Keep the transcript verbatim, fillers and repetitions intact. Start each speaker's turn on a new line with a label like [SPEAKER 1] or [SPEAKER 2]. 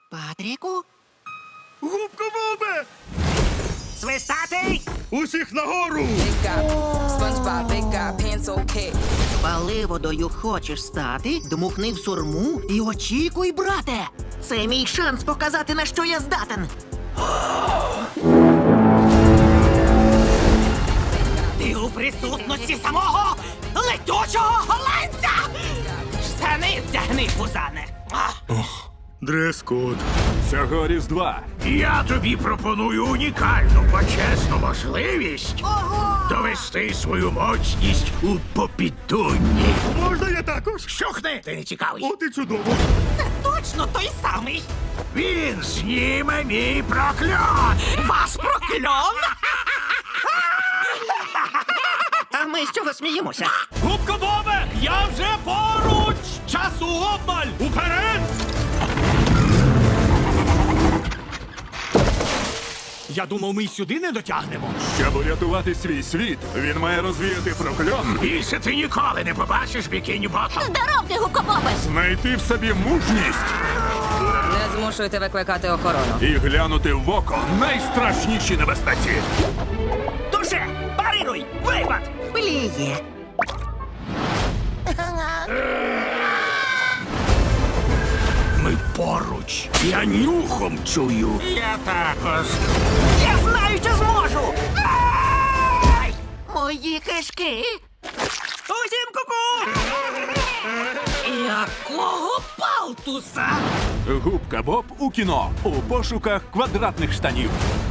[SPEAKER 1] Патріку?
[SPEAKER 2] Губка Бобе!
[SPEAKER 1] Свистатий!
[SPEAKER 2] Усіх нагору!
[SPEAKER 3] Big guy, SpongeBob, big guy, pants okay.
[SPEAKER 1] Паливодою хочеш стати, дмухни в сурму і очікуй, брате! Це мій шанс показати, на що я здатен. Ти у присутності самого летючого голландця! Штани вдягни, пузане!
[SPEAKER 2] Дрес-код.
[SPEAKER 4] Цього Різдва
[SPEAKER 5] Я тобі пропоную унікальну почесну можливість
[SPEAKER 1] Ого!
[SPEAKER 5] довести свою моцність у попідунні.
[SPEAKER 2] Можна я також?
[SPEAKER 5] Щухни, ти не цікавий.
[SPEAKER 2] От і чудово.
[SPEAKER 1] Це точно той самий!
[SPEAKER 5] Він зніме мій прокльон.
[SPEAKER 1] Ваш прокльон! А ми з чого сміємося?
[SPEAKER 2] Губка Бобе! Я вже поруч! Часу обмаль! Уперед! Я думав, ми й сюди не дотягнемо.
[SPEAKER 4] щоб урятувати свій світ, він має розвіяти прокльон,
[SPEAKER 5] Більше ти ніколи не побачиш бікіні Ботом.
[SPEAKER 6] Здоров'я, гукобобе!
[SPEAKER 4] знайти в собі мужність
[SPEAKER 3] Не змушуйте викликати охорону.
[SPEAKER 4] і глянути в око найстрашніші небезпеці.
[SPEAKER 1] Туше! Парируй! Випад! Пліє!
[SPEAKER 5] Ми поруч. Я нюхом чую. Я також.
[SPEAKER 1] Я знаю, що зможу! Ай! Мої кишки! Усім ку-ку! Якого палтуса?
[SPEAKER 4] Губка Боб у кіно у пошуках квадратних штанів.